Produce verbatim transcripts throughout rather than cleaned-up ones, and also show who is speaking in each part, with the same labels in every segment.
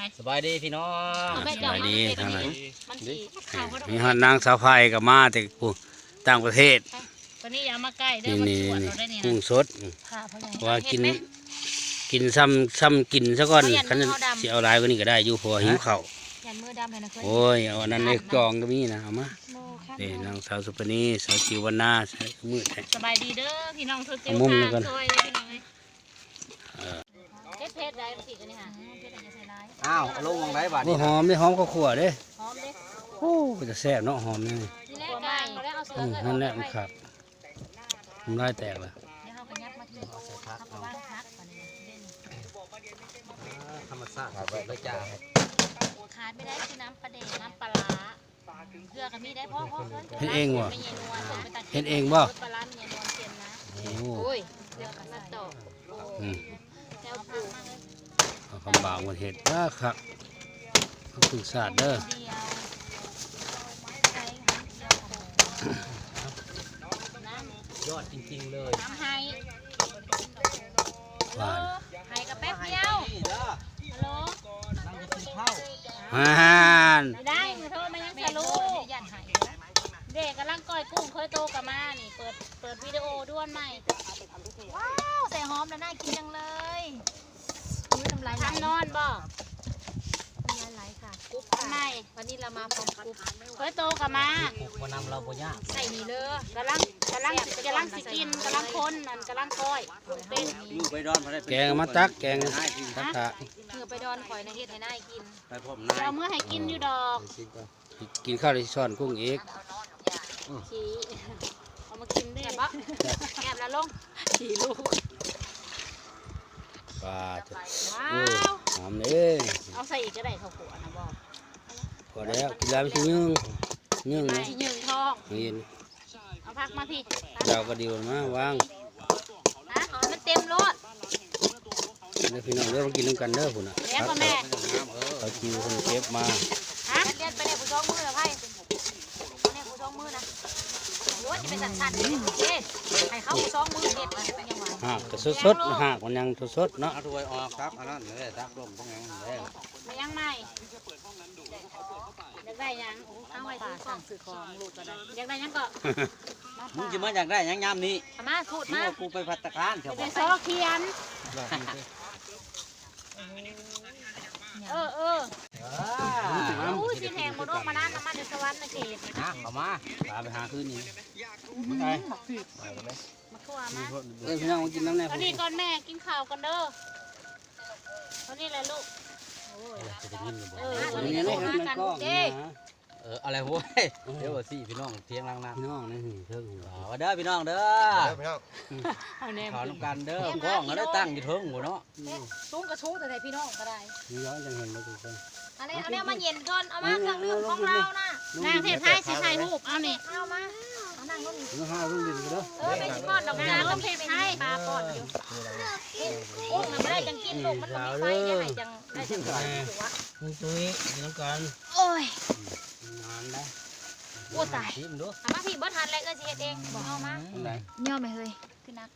Speaker 1: สบายดีพี่น้อง
Speaker 2: สบายดีทั้งนั้นมีฮอดนางสาวไฟกับมาแต่กูต่างประเทศ
Speaker 3: ตอนนี้อย่ามาใกล้เด้อ
Speaker 2: นี่
Speaker 3: มัน
Speaker 2: นี่
Speaker 3: ชวนเราได้นี่
Speaker 2: กุ้ง
Speaker 3: นะ
Speaker 2: สดว่ากินกินซ้ำซ้ำกินซะก่อนคันสิเอาหลายกว่านี้ก็ได้อยู่เพราะหิวข้าว
Speaker 3: ยันมือดำให้นะเคย
Speaker 2: โอ้ยเอาอันนั้นในจองก็มีนะเอามานี่นางสาวสุปนีสาวจิววรรณาใส่มือแท้
Speaker 3: สบายดีเด้อพี่น้องทุก
Speaker 2: เอามุมหนึ่งก่อน
Speaker 3: ช่วยเลยพี่น้องเลยเพชรเพชรได้สิกันนี่ค่ะเพชรอะไรจะใส่ร้าย
Speaker 1: อ้าวลงมองได้บาด
Speaker 2: โอ้
Speaker 1: นี้
Speaker 2: หอมได้หอมข้าวคั่วเด้
Speaker 3: หอมเด้
Speaker 2: โอ้จะแซ่บเนาะหอมนี่
Speaker 3: ทีแรกกลางเขาได้เอาเสื
Speaker 2: อื
Speaker 3: อ
Speaker 2: ม
Speaker 3: เกิด
Speaker 2: นั่นแหละมันขาดมันได้แตกแล้ว
Speaker 3: เดี๋ยวเขาก็ยับมาที่เขาก็ว่างพักก่อนนี่เด่น
Speaker 1: ธรรมชาติครับเลยจ้า
Speaker 3: ขาดไม่ได้คือน้ำปลาเด็กน้ำปลาร้าเกลือก็มีได้พ่อพ่อเพิ่น
Speaker 2: เฮ็ดเองบ่
Speaker 3: ไม่เย็นนัวส่งไปตัด
Speaker 2: เฮ็ดเองบ่
Speaker 3: ปลาร้าเนี่ยนวลเค็มนะ
Speaker 2: โอ้
Speaker 3: โอ้ยเกลือกับน้ำตก
Speaker 2: อืม
Speaker 3: แนวปูมากเลย
Speaker 2: เอาคำบางวันเห็ดนะครับขอบคุณศาสตร์เด้อ
Speaker 3: เดียวใช้น้ำเดียวของน้ำ
Speaker 1: ยอดจริงๆเลย
Speaker 3: น้ำไฮ
Speaker 2: หวาน
Speaker 3: ไฮกับแป๊บเดียวฮัลโหล
Speaker 1: นั่งจะกินข้าว
Speaker 2: ฮ่าน
Speaker 3: ไม่ได้มือโทรมายังสลูเด็กกำลังก้อยกุ้งเคยโตกับมานี่เปิดเปิดวิดีโอด้วนใหม่ว้าวใส่หอมแล้วน่ากินจังเลยทำลายทำนอนบ่ทำลายไหลค่ะกุ๊บทำไมวันนี้เรามาพร้อมกุ๊บเคยโตกับมา
Speaker 1: มานำเราบ่ยาก
Speaker 3: ใส่นี่เลยกำลังกำลังกำลังสิกินกำลังคนนั่นกำลังก้อยเป็น
Speaker 1: อยู่ไปดอนมาได้
Speaker 2: แกงมาตักแกงตักถะ
Speaker 3: เมื่อไปดอนข่อยในเฮ็ดให้นายกิน
Speaker 1: ไปพบ
Speaker 3: เดี๋ยว
Speaker 1: นาย
Speaker 3: เอามื่อให้กินอยู่ดอก
Speaker 2: กินข้าวที่ซ่อนกุ้งอีก
Speaker 3: ชี้เอามากินได้ปะแอบแล้วลงชี้ลูก
Speaker 2: ปลาจะ
Speaker 3: ว้า
Speaker 2: โอ้
Speaker 3: ว
Speaker 2: หอมเลย
Speaker 3: เอาใส่อีกก็ได้ข้าวขัวนะบอก
Speaker 2: พอแล้วกินแล้วไม่ใช่นึ่งนึ่ง
Speaker 3: ไม่
Speaker 2: นะ
Speaker 3: ยืนทอง
Speaker 2: นี่
Speaker 3: เอาพักมาพี่
Speaker 2: ดาวก็ดีมาวาง
Speaker 3: ฮะมันเต็มรถ
Speaker 2: เด้อพี่น้องเด้อมากินน้ำกันเด้อพุ่นน่ะ
Speaker 3: เลี้ยงพ่อแม่
Speaker 2: เขาคิวคนเก็บมา
Speaker 3: ฮะเลี้ยงไปในผู้ช่องมือเหรอไพ่ในผู้ช่องมือนะรถจะเป็นสันๆเลยเจ๊ให้เขาผู้ช่องมือเด็ดมันเป็นยังไง
Speaker 2: หากก็สดๆหากมันยังสดๆเนาะ
Speaker 1: เอาถ้วยออกครับอันนั้นเลยตักลมต้องยังเลย
Speaker 3: มายังไม่อยากได้ยังเอาไว้ซื้อของซื้อของลูกก็ได้อยากได้ยังก็
Speaker 1: มึงจะมาอยากได้ยังยามนี้
Speaker 3: มาพูด
Speaker 1: มึง
Speaker 3: มา
Speaker 1: เอากูไปพัตตาคารเถอะ
Speaker 3: เป็นซอเขียน เออเอออู้สิแหงมาโดกมานั่นน้ำมันเดือดสวรรค์นะเขต
Speaker 1: นะเข้ามา
Speaker 2: ปลาไปหาคืนนี้
Speaker 3: มาทั่วมา
Speaker 2: เออพี่น้องมากินน้ำแน่
Speaker 3: ตอนนี้ก่อนแม่กินข้าวกันเด้อตอนนี้แหละลูก
Speaker 2: จะได้ยินบ่
Speaker 3: เออ
Speaker 2: อั
Speaker 3: วัน
Speaker 2: น
Speaker 3: นี้
Speaker 2: นี้
Speaker 3: โทร
Speaker 2: นี่
Speaker 3: หา
Speaker 2: มัน
Speaker 3: กัน
Speaker 2: กล้อง
Speaker 3: เด้
Speaker 2: นะ
Speaker 1: เอออะไรโว้ยเดี๋ยวสิพี่น้องเที่ยงล่างน้ำ
Speaker 2: พี่น้องนี่เพิ่ง
Speaker 1: เอาเด้อพี่น้องเด้อ
Speaker 3: เอาแน่
Speaker 1: ขอน้ำกันเด้อกล้องก็ได้ตั้งอยู่เทิงหัวเนาะ
Speaker 3: สูงกระชู้แต่พี่น้องก็ได้
Speaker 2: นี่ย้อนจังเห็นแล้วทุกคน
Speaker 3: อันนี้เอาเนี่ยมาเย็นก่อนเอามาเครื่องดื่มของเรานะนางเทศไทยสิถ่ายรูปเอานี่เอามาเอานั่งลง
Speaker 2: น้องห้ารุ่งดินกันเด้อ
Speaker 3: เออเป็นสิก้อนดอกจานต้องเทศไทยปลาก่อนอยู่โอ้ยมันไม่ได้จังกินลูกมันไม่ไฟยังไงจังได้จังหัว
Speaker 2: นี่ตุ้ยกินน้ำกัน
Speaker 3: โอ้ย
Speaker 2: นานนะ
Speaker 3: โอ้ตาย
Speaker 2: ชิมดู
Speaker 3: เอามาพี่บ่ทันเลยก็สิเฮ็ดเองบอกเอามา
Speaker 2: ไหน
Speaker 3: ย่อไหมเฮ้ยคือนักแท้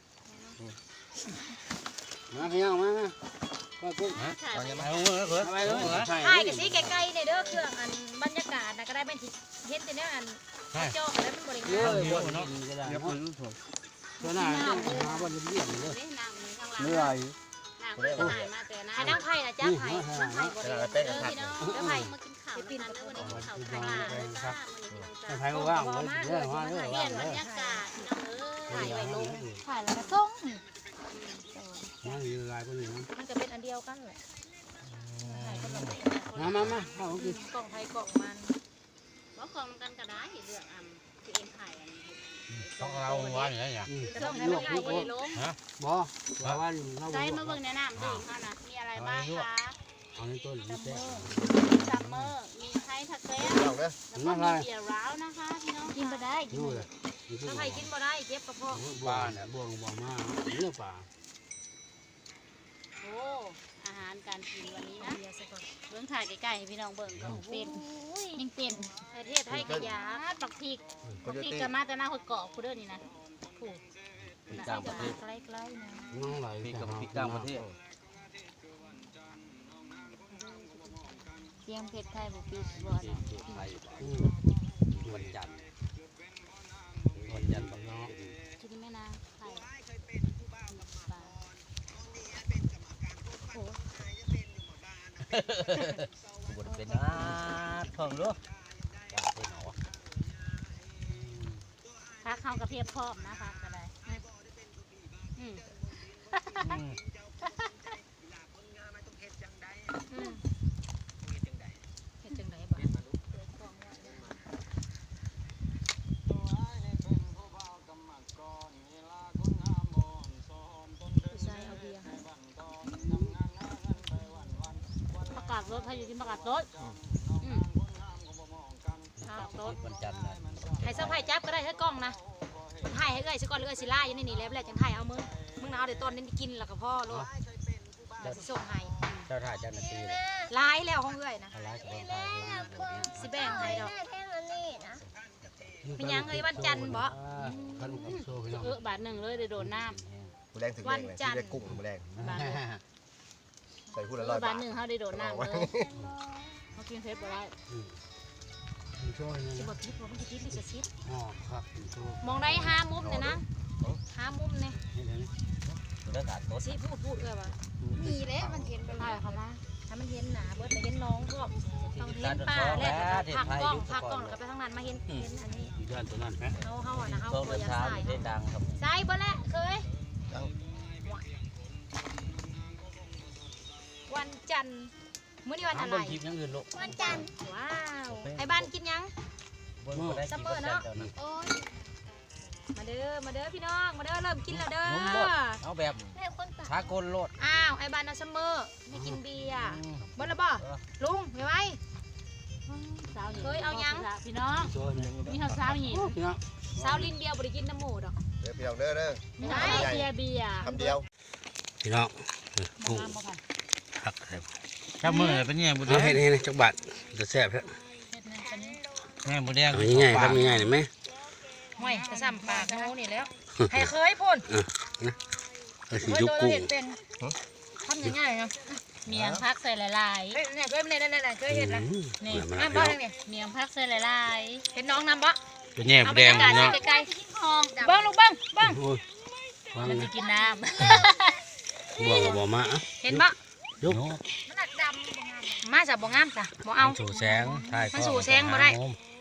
Speaker 2: มาพี่น้องมามากุ้ง
Speaker 3: ถ่ายไป
Speaker 1: ไปเอาเงินเขิน
Speaker 2: ไปเลย
Speaker 3: ถ่ายกันสิไกลๆเนี่ยเด้อเครื่องอันบรรยากาศนะก็ได้เป็นสิเฮ็ดแต่เนี้ยอันเจาะแล้วมันบ่ได้
Speaker 2: เย
Speaker 3: งา
Speaker 2: อะ
Speaker 3: ม
Speaker 2: เยอะเนาะก็ได้เนาะตัวหน้าต้องหาบอลเยี่ยมเลย
Speaker 3: นี่น้ำนี่ข้างหลัง
Speaker 2: เหนื่อย
Speaker 3: น้ำมันหายมาแต่นะให้นั่งไผ่นะจ้าไผ่นั่งไผ่บ่ได้เด้อพี่น้องเด้อไผ่มากินข้าวปีนั้นเด้อวันนี้กินข้าวไผ่ลาเลยจ้ามื้อนี้พี่น้องจ้า
Speaker 2: ใครก็ว่างเลยเยอะมาเยอะ
Speaker 3: เปลี่
Speaker 2: ว่าย ง
Speaker 3: น
Speaker 2: เล
Speaker 3: บร
Speaker 2: ย
Speaker 3: รยากาศพี่น้องเอ้ยถ่ายไว้ลง
Speaker 4: ถ่ายแล้วก็ส่ง
Speaker 2: นั่งอยู่ลายคนนี้
Speaker 3: มันก็เป็นอันเดียวกันแหละถ่ายคนละแบบ
Speaker 2: มามามาเอากิน
Speaker 3: กล่องไผ่กล่องมันบ่กล่องกันก็ได้เลือกอันที่เองถ่ายอัน
Speaker 1: ต้องเราว่าอย่างไรเนี่ย
Speaker 3: จะต้องให้มันง่ายกว่านี้ลง
Speaker 2: บ่ว่าวันเรา
Speaker 3: ใจมาเบิ่งแนะนำดิค่ะนะมีอะไรบ้างคะ
Speaker 2: เอาในต้นนี่แท้
Speaker 3: ซัมเมอร์มีไทยทักเซ่แล้วก็มีเบียร์ร้าวนะคะพี่น้องกินบ่ได้กิน
Speaker 2: ดู
Speaker 3: บ่
Speaker 2: เล
Speaker 3: ได้
Speaker 2: ย
Speaker 3: ถ้าใครกินบ่ได้เจ็บกระเพาะ
Speaker 2: บ้านเนี่ยบ่วงบ่มาเนื้อป่า
Speaker 3: โอ้อาหารการกินวันนี้นะเบิ่งถ่ายใกล้ๆให้พี่น้องเบิ่งก็เป็นยังเป็นประเทศไทยกะยาปักพริกปักพริกก็มาแต่หน้าหดเกาะผู้เด้อนี่นะผู้น่ะใกล้ๆนะ
Speaker 2: น้องไหล
Speaker 1: พี่กับพี่ต่างประเทศ
Speaker 3: เสียงเพชรไทยบ่ปิดบ่
Speaker 1: ที่
Speaker 3: นะ
Speaker 1: ที่ไทย
Speaker 2: อืม
Speaker 1: วันจันทร์วันจันทร์บักเนาะ
Speaker 3: กินแม่นางไข่ปลาโอ้
Speaker 1: บนเป็นอาทองลูกว่าเป็นหนอ
Speaker 3: พักเฮากระเพียบพร้อมนะพักก็ได้อืม
Speaker 1: อืม
Speaker 3: อืมเฮ็ดจังไดบ่ผู้ชายเอาเบียร์ให้ประกาศรถให้อยู่ที่ประกาศรถอืมประกาศรถ
Speaker 1: วันจันทร์นะ
Speaker 3: ให้เสื้อผ้าจับก็ได้ให้กล้องนะถ่ายให้เอ้ยสิก่อนหรือเอ้ยสิล่าอยู่ในนี่แล้วแหละจังถ่ายเอามึงมึงเอาเดี๋ยวตอนนี้กินแล้วก็พ่อโลดเดี๋ยวสิส่งให้
Speaker 1: เจ้าท่าเจ้าหน้าที่เลย
Speaker 3: ลายแล้วของเอ้ยนะ
Speaker 1: อะไรกับคนไทยเรื่องนี้
Speaker 3: สิแบ่งให้ดอกมีหยังเอ้ยวันจันทร์บ่
Speaker 2: ขนมปังโซ่พี่น้อง
Speaker 3: เออบาทหนึ่งเลยเดี๋ยวโดนน้
Speaker 4: มือแรงถึงแรงเลยที่ได้กุ้งมือแรง
Speaker 3: ำบาทหนึ่ง
Speaker 4: ใส่พูด
Speaker 3: เอ
Speaker 4: ละร้อ
Speaker 3: อย บา
Speaker 4: บา
Speaker 3: ท
Speaker 4: ท
Speaker 3: หนึ่งเขาได้โดนน้ำเลยเขากินเพชรบ่ได้
Speaker 2: โซ่นี่
Speaker 3: สิ
Speaker 2: นะ
Speaker 3: บ่คิดว่ามันจะคิดหรือจะคิด
Speaker 2: อ๋อครับโซ่
Speaker 3: มองได้ห้ามุมเนี่ยนะห้ามุมเนี่ย
Speaker 2: นี่เดี๋ยวนี้
Speaker 1: เรื่องการรถ
Speaker 3: สิพูดพูดเอ้ยว่า
Speaker 5: มีแล้วมันเห็นไป
Speaker 3: ถ่าย
Speaker 5: แล้ว
Speaker 3: เขามาถ้ามันเห็นหนาเบิดไม่เห็นน้องก็ต้องเห็นป้าแรกพักกล้องพักกล้องแล้วก็ไปทางนั้นมาเห็นเห็นอันนี้
Speaker 2: อยู่ด้านตัวนั้นนะ
Speaker 3: เขาเขาอ่ะนะเขา
Speaker 1: ช่วง
Speaker 3: ตั
Speaker 1: เดิ
Speaker 3: วน ยา
Speaker 1: ทาง
Speaker 3: ใส่
Speaker 1: ได้ดังครับ
Speaker 3: ใส่เบิดแหละเคยวันจันทร์มื้อนี้วันอะไร
Speaker 1: คลิปยังอื่นลูก
Speaker 5: วันจันทร์
Speaker 3: ว้าวไอ้บ้านกินยัง
Speaker 1: บนบนได้กี่เปอร์เซ็นต์เจ้านะ
Speaker 5: โอ้ย
Speaker 3: มาเด้อมาเด้อพี่น้องมาเด้อเริ่มกินแล้วเด้อ
Speaker 1: นุ่มโลดเอาแบบ
Speaker 5: แม่คนตา
Speaker 1: ชากลโลด
Speaker 3: อ้าวไอ้บ้านเอาซัมเมอร์ไม่กินเบียร์เบิดแล้วบ่ลุงไปไว้เคยเอายัง
Speaker 6: พี่น้อง
Speaker 2: โซ่นี่
Speaker 6: มีข้าวสาวหิน
Speaker 2: พี่น้อง
Speaker 3: สาวลินเบียร์บ่ได้กินน้ำหมูดอก
Speaker 4: เดี๋ยวพี่น้องเด้อเด้อ
Speaker 6: มีข้าวเบียร์เบียร์
Speaker 4: คำเดียว
Speaker 2: พี่น้องกุ้ง
Speaker 6: น้ำบ่ค่ะ
Speaker 2: ผักใส่
Speaker 1: ถ้ามือเป็นยังบุ
Speaker 2: เอาให้นี่นะจักบาทจะแซ่บครับ
Speaker 6: เฮ็ดนั่นกันนี้
Speaker 1: แม่บุแดง
Speaker 2: เอาง่ายๆครับง่ายๆเห็นไหม
Speaker 3: ห่วยกระซ้ำปากโง่นี่แล้วให้เคยพ่น
Speaker 2: เออสิ
Speaker 3: เคย
Speaker 2: ยุก
Speaker 3: ตัว
Speaker 2: กุ้ง
Speaker 3: เห็ดเป็นทำง่ายๆนะ
Speaker 6: เมียงพักใส่หลาย
Speaker 3: เฮ้ยเนี่ยเคยเนี่ยเนี่ยเคยเห็ดนะ
Speaker 2: อืม
Speaker 6: ๆนี่
Speaker 2: มา
Speaker 3: น้ำ
Speaker 2: มา
Speaker 3: บ่
Speaker 2: พี่น้อง
Speaker 3: ทางนี้
Speaker 6: เมียงพักใส่หลาย
Speaker 3: เห็นน้องน้ำบ่
Speaker 2: เป็นแง่
Speaker 3: เอา
Speaker 2: แด
Speaker 3: บรรง ยากาศ
Speaker 2: พี่น้อง
Speaker 3: ไกล
Speaker 6: ๆห้อง
Speaker 3: ๆเบิ้งลูกเบิ้งเบิ้ง
Speaker 2: โอ้ยฟัง
Speaker 6: มัน
Speaker 2: นะ
Speaker 6: จะกินน้
Speaker 2: บ่วงกับบ่มาอ่ะ
Speaker 3: เห็นบ่
Speaker 2: ยุก
Speaker 3: มันหนักดำมาจากบ่งามจ้ะบ่เอา
Speaker 1: สู่แสงถ่าย
Speaker 3: มันสู่แสงบ่ได้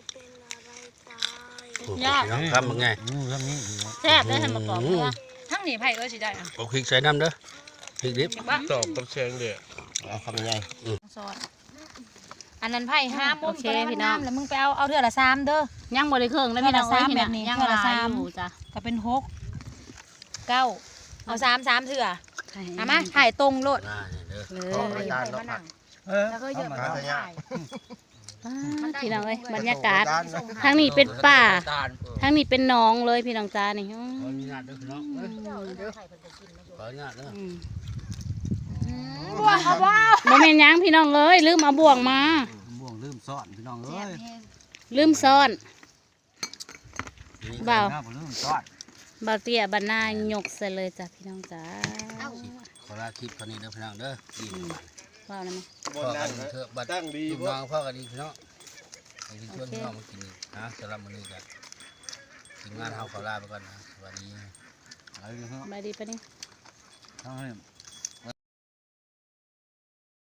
Speaker 2: โอ้ยพี่น้องครับมันไง
Speaker 1: อืมเรื่องนี้
Speaker 6: ำแซ่บได้ทำมากรอบเนื้อ
Speaker 3: ทั้งนี้ไผ่เอ้ยสิได้อะ
Speaker 2: เอาพริกใส่น้ำเด้อพริกดิบ
Speaker 3: เห็นบ่
Speaker 4: ตอบกับเชิงเด้อเอาคำยังไง
Speaker 3: ซอสอันนั้นไผ่ห้ามุมตัวพี่น้องแล้วมึงไปเอาเอาเทื่อละสามเด้อ
Speaker 6: ยังบ่ได้เครื่องแล้วพี่น้องเอ้ยพี่น่ะยังหลายอยู่จ้ะ
Speaker 3: ก็เป็นหกเก้าเอาสามสามเถื่อเอามาถ่ายตรงโลด
Speaker 2: อ่านี่เด้อ
Speaker 3: เลย
Speaker 4: ขออาจารย์เนาะผัก
Speaker 3: แล้วก็เยอะ
Speaker 4: มา
Speaker 3: มา
Speaker 4: เถอะเนี่ย
Speaker 3: ถ่าย
Speaker 6: พี่น้องเอ้ยบรรยากาศ
Speaker 4: ขออจรย์
Speaker 6: ทางนี้เป็นป่า
Speaker 1: ตาล
Speaker 6: ทางนี้เป็นหน้องเลยพี่น้องจ้านี่อืม
Speaker 2: ขออนุญาตเด้อพี่น้องเอ้ยขออนุญาตเด้อ
Speaker 6: อืม
Speaker 3: บัวเขาบ้า
Speaker 6: บ่แม่นหยังพี่น้องเอ้ยลืมเอาบ่วงมา
Speaker 1: บ่วงลืมซ่อนพี่น้องเอ้ย
Speaker 6: ลืมซ่อน บ่าว
Speaker 1: ลืมซ่อน
Speaker 6: บ่าวเตี้ยบรรณายกใส่เลยจ้ะพี่น้องจ้า
Speaker 2: ขอลาคลิปเท่านี้เด้อพี่น้องเด้อดี
Speaker 6: ว้าวนะแม่
Speaker 2: พ่อกันเถอะบัด
Speaker 4: ตั้งดี
Speaker 2: ลูก
Speaker 4: พว
Speaker 2: น้
Speaker 4: ก
Speaker 2: องพ่อกันดีพี่น้องไอ้ที่ชวนพี่น้องมากินนะสำหรับมื้อนี้กันทีมงานเฮาขอลาไปก่อนนะสวัสดี
Speaker 1: เอาเลยครับ
Speaker 6: บายดีปะนี่
Speaker 1: เอาให้